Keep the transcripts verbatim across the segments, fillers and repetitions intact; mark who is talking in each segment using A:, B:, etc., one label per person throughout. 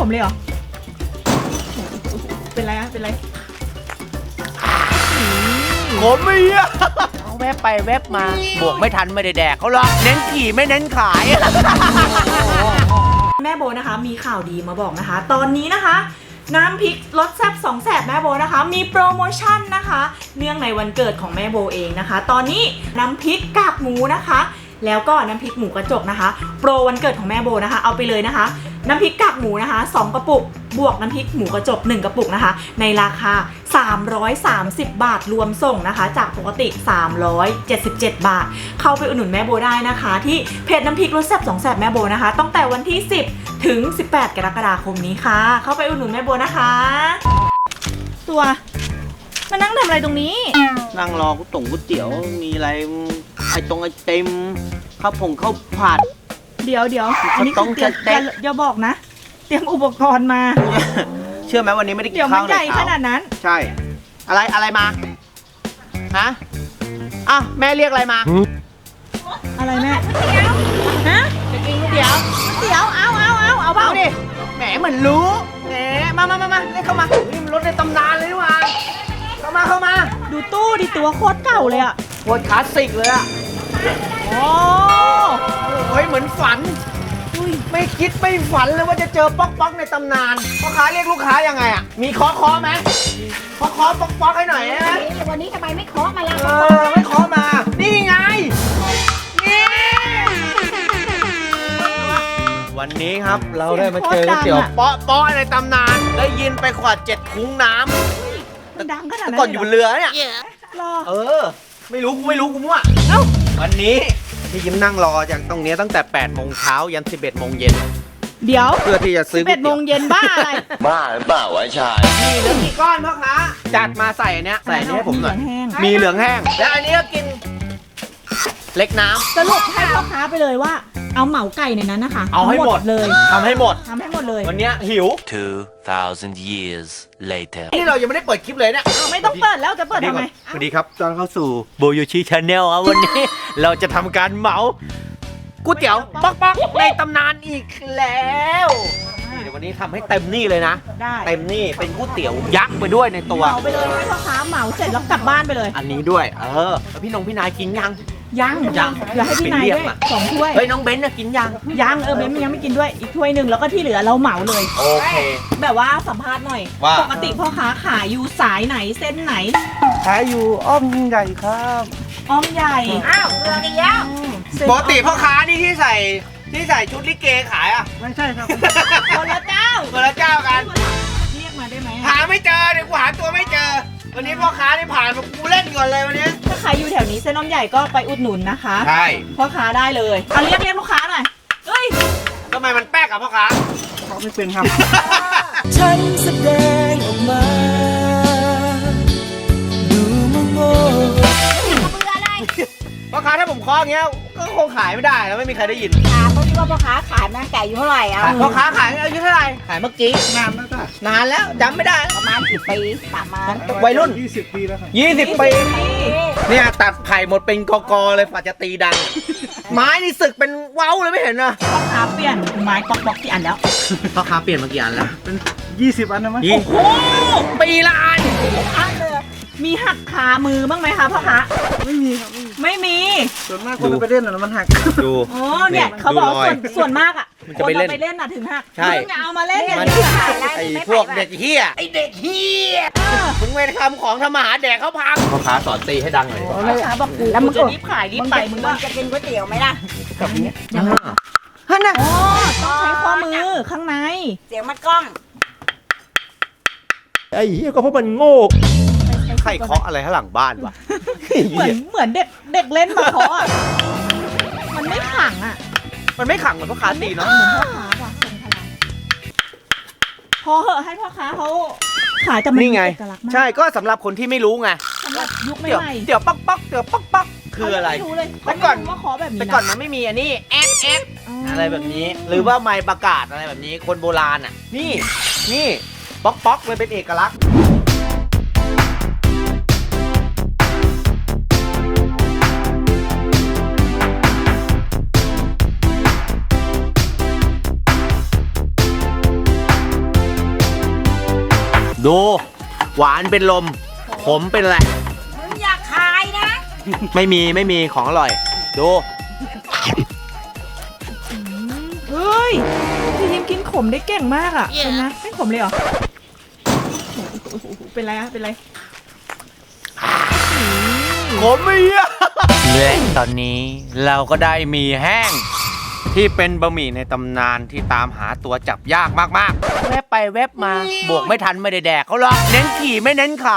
A: ผมเลยเหรอเป็นไรอะเป็นไร
B: ผมไม่เยอะเอาแวบไปแวบมาบวกไม่ทันไม่ได้แดกเขาหรอกเน้นขี่ไม่เน้นขาย
A: แม่โบนะคะมีข่าวดีมาบอกนะคะตอนนี้นะคะน้ำพริกรสแซ่บสองแสบแม่โบนะคะมีโปรโมชั่นนะคะเนื่องในวันเกิดของแม่โบเองนะคะตอนนี้น้ำพริกกากหมูนะคะแล้วก็น้ำพริกหมูกระจกนะคะโปรวันเกิดของแม่โบนะคะเอาไปเลยนะคะน้ำพริกกากหมูนะคะสองกระปุกบวกน้ำพริกหมูกระจกหนึ่งกระปุกนะคะในราคาสามร้อยสามสิบบาทรวมส่งนะคะจากปกติสามร้อยเจ็ดสิบเจ็ดบาทเข้าไปอุดหนุนแม่โบได้นะคะที่เพจน้ำพริกรสแซ่บสองแสบแม่โบนะคะตั้งแต่วันที่สิบถึงสิบแปดกรกฎาคมนี้ค่ะเข้าไปอุดหนุนแม่โบนะคะตัวมานั่งทำอะไรตรงนี้
B: นั่งรอก๋วยตงก๋วยเตี๋ยวมีอะไรไอตรงไอเต็มข้าวผงข้าวผัด
A: เดี๋ยวเดี๋ยวอันนี้คือเตรียมอย่าบอกนะเตรียมอุปกรณ์มา
B: เชื่อไหมวันนี้ไม่ได้กิน
A: ข้าวเลยเดี๋ยวมันใหญ่ขนาดนั้น
B: ใช่อะไรอะไรมาฮะอ่ะแม่เรียกอะไรมา
A: อะไรแม่ฮะ
B: จะกินก๋วยเตี๋ยว
A: เตี๋ยวเอาเอาเอาเอาเบา
B: ดิแหมเหมือนรู้แหมมามามามาเรียกเข้ามานี่มันรถในตำนานเลยนี่หว่าเข้ามาเข้ามา
A: ดูตู้ดิตัวโคตรเก่าเลยอะ
B: โคตรคลาสสิกเลยอะ
A: โอ้
B: โหเหมือนฝันไม่คิดไม่ฝันเลยว่าจะเจอป๊อกป๊อกในตำนานพ่อค้าเรียกลูกค้ายังไงอ่ะมีเคาะเคาะไหมเคาะเคาะป๊อกป๊อกให้หน่อยนะ
C: วันนี้ทำไมไม่เคาะมาล่ะ
B: เออไม่เคาะมานี่ไงนี่วันนี้ครับเราได้มาเจอก๋วยเตี๋ยวป๊อกป๊อกในตำนานได้ยินไปขวดเจ็ดคุ้งน้ำ
A: มันดังขนาดนั้น
B: ก่อนอยู่บนเรือเนี่ยเออไม่รู้กูไม่รู้กูมั่วเอ้าวันนี้พี่ยิ้มนั่งรอจากตรงนี้ตั้งแต่แปดโมงเช้ายันสิบเอ็ดโมงเย็น
A: เดี๋ยว
B: เพื่อที่จะซื้อ
A: สิบเอ็ดโมงเย็นบ้าอะไร
D: บ้าหรือเปล่าวะชาย
B: มีเหลืองกี่ก้อนพ่อค้าจัดมาใส่อันเนี้ยใส่อันนี้ให้ผมหน่อยมีเหลืองแห้งแล้วอันนี้ก็กินเล็กน้ำ
A: สรุปให้พ่อค้าไปเลยว่าเอาเหมาไก่ในนั้นนะคะ
B: เอาให้หมด
A: เลย
B: ทำให้หมด
A: ทำให้หมดเลย
B: วันนี้หิว
D: two thousand years later
B: นี่เรายังไม่ได้เปิดคลิปเลยเนี่ย
A: ไม่ต้องเปิดแล้วจะเปิดทำไม
B: สวัสดีครับต้อนเข้าสู่โบโยชิชาแนลครับวันนี้เราจะทำการเหมาก๋วยเตี๋ยวป๊อกป๊อกในตำนานอีกแล้วเดี๋ยววันนี้ทำให้เต็มนี่เลยนะ
A: ได้
B: เต็มนี่เป็นก๋วยเตี๋ยวยักษ์ไปด้วยในตัว
A: เหมาไปเลยให้พ่อค้าเหมาเสร็จแล้วกลับบ้านไปเลย
B: อันนี้ด้วยเออแล้วพี่นงพี่นายกินยัง
A: ยัง
B: ยัง
A: เดี๋ยวให้พี่นายด้วยสองถ้วย
B: เฮ้ยน้องเบนซ์กินยัง
A: ยังเออเบนซ์ยังไม่กินด้วยอีกถ้วยหนึ่งแล้วก็ที่เหลือเราเหมาเลย
B: โอเค
A: แบบว่าสัมภาษณ์หน่อยปกติพ่อค้าขายอยู่สายไหนเส้นไหน
B: ขายอยู่อ้อมใหญ่ครับ
A: อ้อมใหญ่
C: อ้าวเรือดีแล้ว
B: ปกติพ่อค้านี่ที่ใส่ที่ใส่ชุดลิเกขายอ่ะ
A: ไม่ใช่ครับคนละเจ้า
B: คนละเจ้ากัน
A: เรียกมาได้ไหม
B: หาไม่เจอเดี๋ยวกูหาตัวไม่เจอวันนี้พ่อค้าได้ผ่านมากูเล่นก่อนเลยวันนี้
A: ถ้าใครอยู่แถวนี้เส้นน้อมใหญ่ก็ไปอุดหนุนนะคะ
B: ใช่
A: พ่อค้าได้เลยเอาเรียกเรียกลูกค้าหน่อยเฮ้ย
B: ทำไมมันแป๊กอะพ่อค้า
E: เขาไม่เป็นครับ
F: ฉันแสดงออกมาดูมโง่
B: พ่อค้าถ้าผมเคาะอย่างเงี้ยก็คงขายไม่ได้แล้วไม่มีใครได้ยิน
C: ถามเขาคิดว่าพ่อค้าขายมาไก่อยู่เท่าไหร่อ่ะ
B: พ่อค้าขายอายุเท่าไหร่ขายเมื่อกี้
E: นานแล้วจ้ะ
B: นานแล้วจำไม่ได้
C: ประมาณสิบปีประมาณ
B: วัยรุ่น
E: ยี่สิบปีแล้วครับ
B: ยี่สิบปีเนี่ยตัดไผ่หมดเป็นกอกๆเลยฝ่าจะตีดังไม้นี่สึกเป็นเว้าเลยไม่เห็นนะ
A: พ่อค้าเปลี่ยนไม้ปอกๆกี่อันแล้ว
B: พ่อค้าเปลี่ยนมากี่อันแล้ว
E: เป็นยี่สิบอันนะมั้ย
B: โอ้โหปีละอัน
A: มีหักขามือบ้างไหมคะพ่อค้า
E: ไม่มีครับ
A: ไม่มี
E: ส่วนมากคนไปเล่นน่ะมันหัก
B: ดู
A: อ๋อเนี่ยเขาบอกส่วนส่วนมากอ่ะคนเราไปเล่นน่ะถึงหัก
B: ใช่
A: มึงเอามาเล่นอย่าง
B: นี้ไอ้พวกเด็กเหี้ยไอ้เด็กเหี้ยมึงไม่ทำของทำมาหาแดกเขาพังพ่อค้าสอนตีให้ดังหน่อย
A: พ่อค้าบอกกูแล้วมึงจะรีบขายรีบไปมึง
C: จะกินก๋วยเตี๋ยวไหมล่ะ
B: แบบนี้ฮะน่ะ
A: อ๋อต้องใช้ข้อมือข้างใน
C: เสียงมันกล้อง
B: ไอ้เหี้ยก็เพราะมันโง่ใครเคาะอะไรข้างหลังบ้านวะ
A: เหมือนเหมือนเด็กเด็กเล่นมาเคาะมันไม่ขังอ่ะ
B: มันไม่ขังเหมือนพ่อค้าตีเนาะ
A: เหมือนพ่อค้าว่ะพอเหอะให้พ่อค้าเขาขายแต่มัน
B: นี่ไงใช่ก็สำหรับคนที่ไม่รู้ไง
A: สำหรับยุคใหม่
B: เดี๋ยวป๊อกป๊อกเดี๋ยวป๊อกป๊อกคืออะไร
A: แต่ก่อนว่าขอแบบนี้
B: แต่ก่อนมันไม่มีอันนี้แอฟแอฟอะไรแบบนี้หรือว่าไมค์ประกาศอะไรแบบนี้คนโบราณอ่ะนี่นี่ป๊อกป๊อกมันเป็นเอกลักษณ์ดู หวานเป็นลม ขมเป็นอะไร
C: มึงอยากขายนะ
B: ไม่มีไม่มีของอร่อย ดู
A: เฮ้ยพี่ยิมกินขมได้เก่งมากอ่ะเป็นไงไม่ขมเลยเหรอโอ้โหเป็นไรอะเป็นไร
B: ผมมีอะและตอนนี้เราก็ได้มีแห้ง ที่เป็นบะหมี่ในตำนานที่ตามหาตัวจับยากมากๆ แวบไปแวบมา บวกไม่ทันไม่ได้แดกเขาหรอกเน้นขี่ไม่เน้นขาย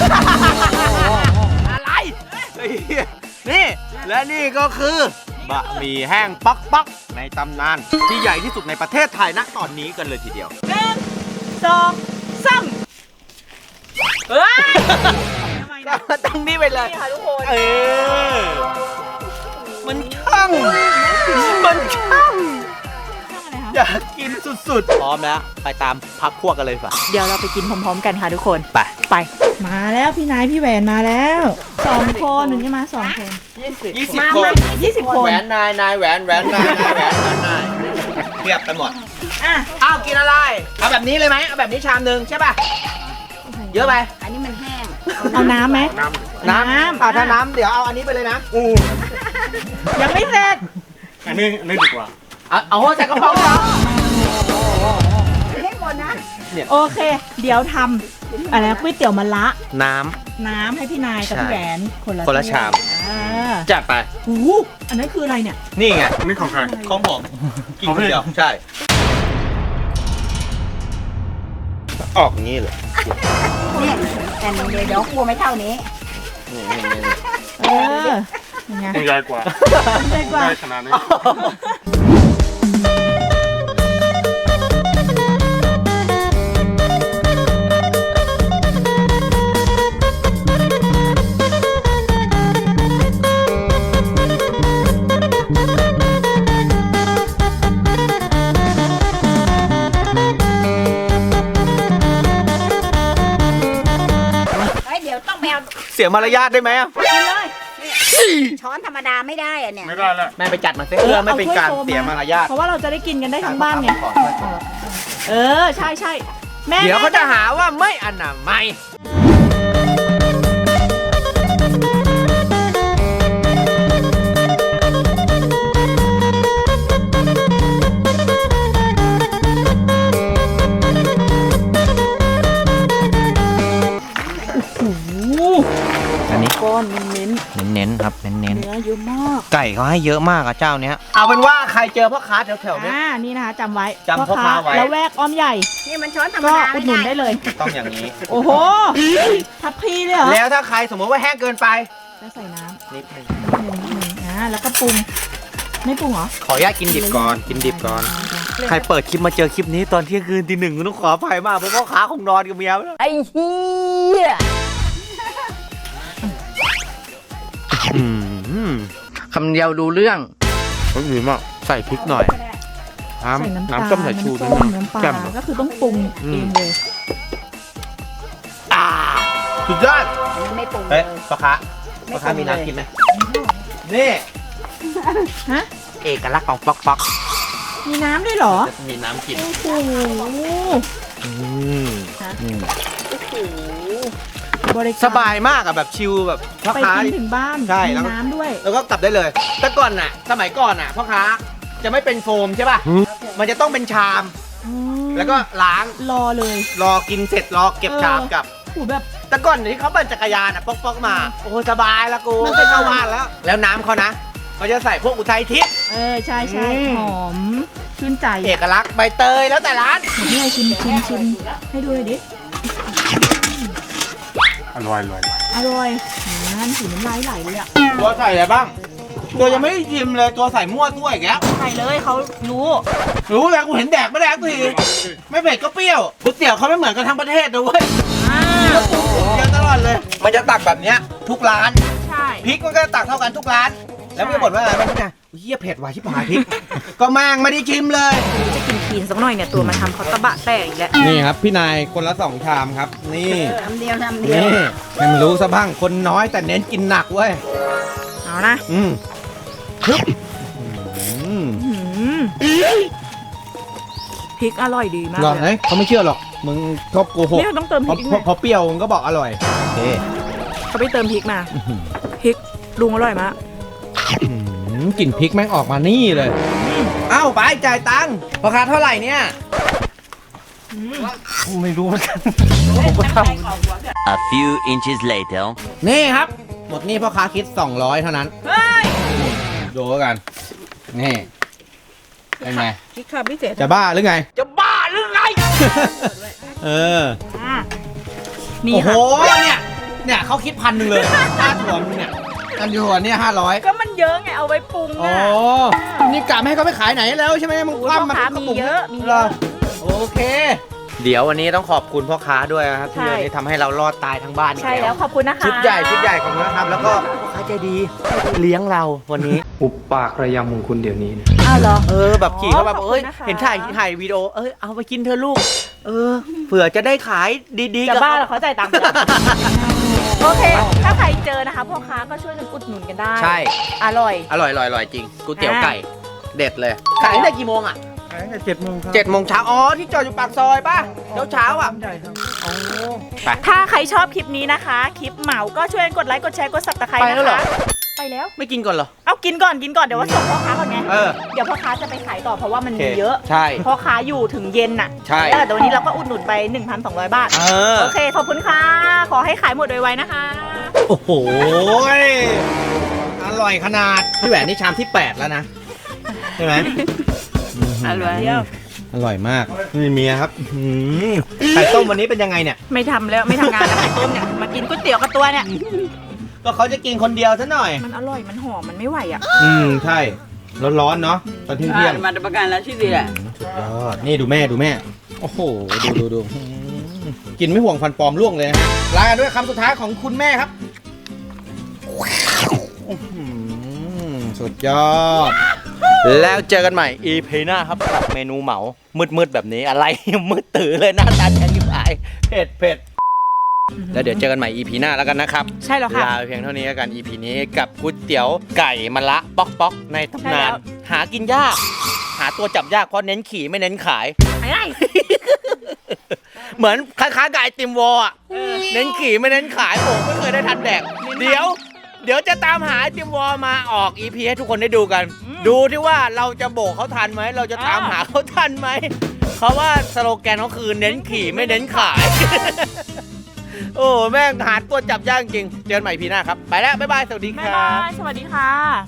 B: อะไรเฮ้ยนี่ และนี่ก็คือบะหมี่แห้งป๊อกป๊อกในตำนาน ที่ใหญ่ที่สุดในประเทศไทยณตอนนี้กันเลยทีเดียว
A: หนึ่งสองสามเฮ้ยทำไมนะ
B: ตั้งนี้ไปเลย
A: นี่ค่ะทุกคน
B: เออ มันช่าง มันช่าง
A: อะไรคะ
B: อยากกินสุดๆ พร้อมแล้ว ไปตามพักพวกกันเลยป่ะ
A: เดี๋ยวเราไปกินพร้อมๆกันค่ะทุกคน
B: ไป
A: ไป มาแล้วพี่นายพี่แหวนมาแล้วสองคนหนึ่งจะมาสองคน
B: ยี่สิบ
A: มา
B: คน
A: มายี่สิบคน
B: แหวนนาย นายแหวนแหวนนาย นายแหวนแหวนนายเทียบกันหมด
A: อ่ะ
B: อ้าว กินอะไร เอาแบบนี้เลยไหม เอาแบบนี้ชามหนึ่งใช่ป่ะ เยอะไป
C: อันนี้มันแห้ง
A: เอาน้ำไหม
B: น้ำ
A: น้ำ
B: อ่าถ้าน้ำเดี๋ยวเอาอันนี้ไปเลยนะอู้
A: ยังไม่เสร็จ
E: อันนี้อันนี้ดีกว่า
B: เอาเอาใส่กระเพราเหรอ
C: ให้หมดนะ
A: โอเค เดี๋ยวทำอะไรนะก๋วยเตี๋ยวมะระ
B: น้
A: น้ำให้พี่นายกับ
B: ใช่
A: พี่แหวนคนละ
B: คนละชาม
A: อ่า
B: ำจัดไป
A: หูอันนั้นคืออะไรเนี่ย
B: นี่ไง
E: อันนี้ของใคร
B: ของผม กินคนเดียว ใช่ ออกงี้เลย
C: เนี่ยแต่เดี๋ยวเดี๋ยวกลัวไม่เท่านี้
B: นี่นี่นี่
A: เออยังไง
E: ใหญ่กว่า
A: ใหญ่กว่า
E: ได้ขนาดนี้
C: เฮ้ยเดี๋ยวต้องไปเอา
B: เสียมารยาทได้ไหมอะ
A: กินเลย
C: ช้อนธรรมดาไม่ได้อะเนี่ย
E: ไม่ได้แล้ว
B: แม่ไปจัดมาเสียเพื่อไม่เป็นการเสียมารยาท
A: เพราะว่าเราจะได้กินกันได้ทั้งบ้านไงเออใช่ใช่แม่
B: เดี๋ยวเขาจะหาว่าไม่อนามัย
A: โอ้โห
B: อันนี้
A: ก้อนเน้น
B: เน้นๆครับเน้น
A: ๆเนื้อเยอะมาก
B: ๆไก่เขาให้เยอะมากอะเจ้าเนี้ยเอาเป็นว่าใครเจอพ่อค้าแถวๆเนี้ย
A: อ่านี่นะคะจำไว้
B: จำพ่อค้าไว้
A: แล้วแวกอ้อมใหญ่
C: นี่มันช้อนธรรม
A: ก็
C: ดา
A: อุ
C: ไม่
A: ดหนุนได้
C: ได้
A: เลย
B: ต้องอย่างนี้
A: โอ้โหทับพีเลยเหรอ
B: แล้วถ้าใครสมมติว่าแห้งเกินไป
A: แล้วใส่น้ำ
B: นิดนึง
A: นิดนึงนิดนึงอ่าแล้วก็ปรุงไม่ปรุงเหรอ
B: ขออนุญาตกินดิบก่อนกินดิบก่อน ใครเปิดคลิปมาเจอคลิปนี้ตอนเที่ยงคืนตีหนึ่งต้องขออภัยมากเพราะพ่อค้าคงนอนกับเมียไปแล้ว
C: ไอ้เหี้ย
B: อืม
G: คำเดียวดูเรื่อง
B: ก็ดีมากใส่พริกหน่อย น้
A: ใส่น้ำ
B: ำ
A: ตาล
B: น้ำส้มสายชู
A: น้ำ
B: ด้วย
A: ส้ม
B: นะ
A: น้ำปลา
B: แจ่ม
A: ก็คือต้องปรุงเองเลย
B: อ่าสุดยอด
C: อันนี้ไม่ปรุงเล
B: เฮ้ย
C: ย
B: พ่อค้า
C: ไม่
B: พ่อค้า
C: ปรุง
B: มี
C: เลย
B: น้ำกินไหมนี่
A: ฮะ
B: เอกลักษณ์ของป๊อกป๊อก
A: มีน้ำด้วยเหรอ
B: จะมีน้ำกิน
A: โอ้โห
B: อืม
A: บริการ
B: สบายมากอะแบบชิลแบบพ่อ
A: ไป
B: ค้า
A: กินถึงบ้าน
B: ใช่
A: มี
B: แล้วก็
A: น้ำด้วย
B: แล้วก็กลับได้เลย แต่ก่อนน่ะ สมัยก่อนน่ะพ่อค้าจะไม่เป็นโฟมใช่ป่ะ มันจะต้องเป็นชาม
A: อืม
B: แล้วก็ล้าง
A: รอเลย
B: รอกินเสร็จรอเก็บชามกลับ
A: โอ้โหแบบ
B: แต่ก่อนที่เขาปั่นจักรยานอ่ะป๊อกๆมา โอ้โหสบายละกู
A: มัน
B: ไม่เข้าบ้านแล้ว แล้วน้ำเขานะเขาจะใส่พวกอุทัยทิพย์
A: เออใช่ใช่
B: อืม
A: หอมชื่นใจ
B: เอกลักษณ์ใบเตยแล้วแต่ร้าน
A: นี่ไงชิมชิมชิมให้ดูเลยดิ
E: อร่อยอร่อย
A: อร่อยนั่นสีน้ำลายไหลเลยอ่ะ
B: ตัวใส่อะไรบ้าง ตัวยังไม่ได้ชิมเลยตัวใส่มั่วตัวอีกแล้ว
A: ใส่เลยเขารู้
B: รู้แล้วกูเห็นแดกไม่แดกทีไม่เผ็ดก็เปรี้ยวก๋วยเตี๋ยวเขาไม่เหมือนกันทั้งประเทศนะเว้ย
A: อ่า
B: เยอะตลอดเลย มันจะตักแบบเนี้ยทุกร้าน
A: ใช่
B: พริกมันก็ตักเท่ากันทุกร้าน แล้วไม่บ่นว่าอะไรไม่ใช่เฮียเผ็ดว่ะชิบหายพริก ก็แม่งไม่ได้ชิมเลย
A: จะกินคีนสักหน่อยเนี่ยตัวมาทำเขาตะบะแตกอีกแล้ว
B: นี่ครับพี่นายคนละสองชามครับ นี่
C: ทำเดียวทำเดียว
B: นี่ให้มันรู้ซะบ้างคนน้อยแต่เน้นกินหนักเว้ย
A: เอานะ
B: อืมฮึบอืม
A: อื้อหือพริกอร่อยดีมาก
B: หรอ
A: เลย
B: เฮ้ยเขาไม่เชื่อหรอกมึงชอบโกหก
A: เนี่ยต้องเติมพ
B: พอ
A: ริก
B: พอพอเปรี้ยวมึงก็บอกอร่อยโอเค
A: เขาไปเติมพริกมาพริกลุงอร่อยมาก
B: อืมกลิ่นพริกแม่งออกมานี่เลยเอ้าไปจ่ายตังค์ราคาเท่าไหร่เนี่ยไม่รู้เหมือนกันผมก็ท
D: A few inches later.
B: ำนี่ครับ หมดนี่พ่อค้าคิดสองร้อยเท่านั้น
A: เฮ้ย
B: ดูแล้วกันนี่เป็นไง
A: พริกค่ะพิเศษ
B: จะบ้าหรือไงจะบ้าหรือไง เออ
A: อ่ะนี่
B: โอ้โห
A: ค่ะ
B: เนี่ย เนี่ยเขาคิดพันหนึ่งเลยค่าถั่วมึงเนี่ยกันถั่วเนี่ยห้าร้อย
A: ก็มันเยอะไงเอาไว้ปรุง
B: อ๋อ
A: อ่ะ
B: นี่กะไม่ให้เขาไปขายไหนแล้วใช่ไหมมึง
A: โอ้ย
B: คว่ำมา
A: พ่อค้า
B: ทุกกระปุก
A: มีเยอะมีเยอะ
B: หรโอเค เดี๋ยววันนี้ต้องขอบคุณพ่อค้าด้วยนะครับที่
A: ใช่
B: วันนี้ทำให้เรารอดตายทั้งบ้านอีก
A: ใช่แล้วขอบคุณนะคะ
B: ชุดใหญ่ชุดใหญ่ของนะครับ แล้วก็พ่อค้าใจดีเลี้ยงเราวันนี้
E: อุบปากระยำของคุณเดี๋ยวนี้นะ
A: อ้าวเหรอ
B: เออแบบขี่เขาแบบ
A: ขอบคุณ
B: เอ้ย
A: นะคะ
B: เห็นถ่ายถ่ายวิดีโอเอ้ยเอาไปกินเธอะลูก เออเผื่อจะได้ขายดีๆ
A: จะ
B: กับ
A: บ้า
B: เขา
A: เหรอเขาจ่ายตังค์ไปแล้วโอเค ถ้าใครเจอนะคะพ่อค้าก็ช่วยกันอุดหนุนกันได้
B: ใช่
A: อร่อย
B: อร่อยอร่อยอร่อยจริงก๋วยเตี๋ยว
A: อ่า
B: ไก่เด็ดเลยขายตั้งแต่กี่โมงอ่ะ
E: ขายตั้งแต่เจ็ดโมงครับ
B: เจ็ดโมงเช้าอ๋อที่จอดอยู่ปากซอยป่ะเช้าเช้าๆอ่ะ
E: ใหญ่ครับ
B: โอ้ไป
A: ถ้าใครชอบคลิปนี้นะคะ คลิปเหมาก็ช่วยกดไลค์กดแชร์กดซับสไครต์
B: ไปแล้
A: นะ
B: วเหรอ
A: คะไปแล้ว
B: ไม่กินก่อนเหรอ
A: เอากินก่อนกินก่อนเดี๋ยวว่าส่งพ่อค้าก่อนไง
B: เออ
A: เดี๋ยวพ่อค้าจะไปขายต่อเพราะว่ามัน
B: โอเค
A: มีเยอะ
B: ใช่
A: พ่อค้าอยู่ถึงเย็นน่ะ
B: ใช่
A: เออแต่วันนี้เราก็อุดหนุนไป หนึ่งพันสองร้อย บาท
B: เออ
A: โอเคขอบคุณค่ะ ขอให้ขายหมดไวๆนะคะ
B: โอ้โหอร่อยขนาดพี่แหวนนี่ชามที่แปดแล้วนะใช่ไหม
A: อร่อย
B: อร่อยมากนี่เมียครับอื้อหือไข่ต้มวันนี้เป็นยังไงเนี่ย
A: ไม่ทำแล้วไม่ทำงานแล้วไข่ต้มเนี่ยมากินก๋วยเตี๋ยวกับตัวเนี่ย
B: ก็เขาจะกินคนเดียวซะหน่อย
A: มันอร่อยมันหอมมันไม่ไหวอ่ะ
B: อืมใช่ร้อนๆเนาะตอนเที่ยงๆ
C: มาประกันแล้วที่ดีแหละ
B: สุดยอดนี่ดูแม่ดูแม่ โอ้โห ดูดูดูอืมกินไม่ห่วงฟันปลอมร่วงเลยนะลากันด้วยคำสุดท้ายของคุณแม่ครับอื้อหือสุดยอด แล้วเจอกันใหม่ อี พี หน้าครับกับเมนูเหมา มืดๆแบบนี้อะไร มืดตื่อเลยหน้าตาแฉะยิบหายเผ็ดเผ็ดแล้วเดี๋ยวเจอกันใหม่ อี พี หน้าแล้วกันนะครับ
A: ใช่แล้วค่ะ
B: ลาไปเพียงเท่านี้แล้วกัน อี พี นี้กับก๋วยเตี๋ยวไก่มะละป๊อกป๊อกในตำนาน
A: ใช่แล้ว
B: หากินยาก หาตัวจับยากเพราะเน้นขี่ไม่เน้นขาย
A: ไอ้ไอ้
B: เหมือนคล้ายๆกับไอติมวอลอ่ะ เน้นขี่ไม่เน้นขายผมไม่เคยได้ทันแดก เดี๋ยว เดี๋ยวจะตามหาไอติมวอลมาออก อี พี ให้ทุกคนได้ดูกัน ดูที่ว่าเราจะโบกเขาทันไหม เราจะตามหาเขาทันไหม เพราะว่าสโลแกนเขาคือเน้นขี่ไม่เน้นขาย โอ้แม่งหาตัวจับยากจริง เจอกันใหม่พีหน้าครับ ไปแล้ว บ๊ายบาย สวัสดีค
A: บ๊าย
B: รั
A: บา
B: บ
A: ยสวัสดีค่ะ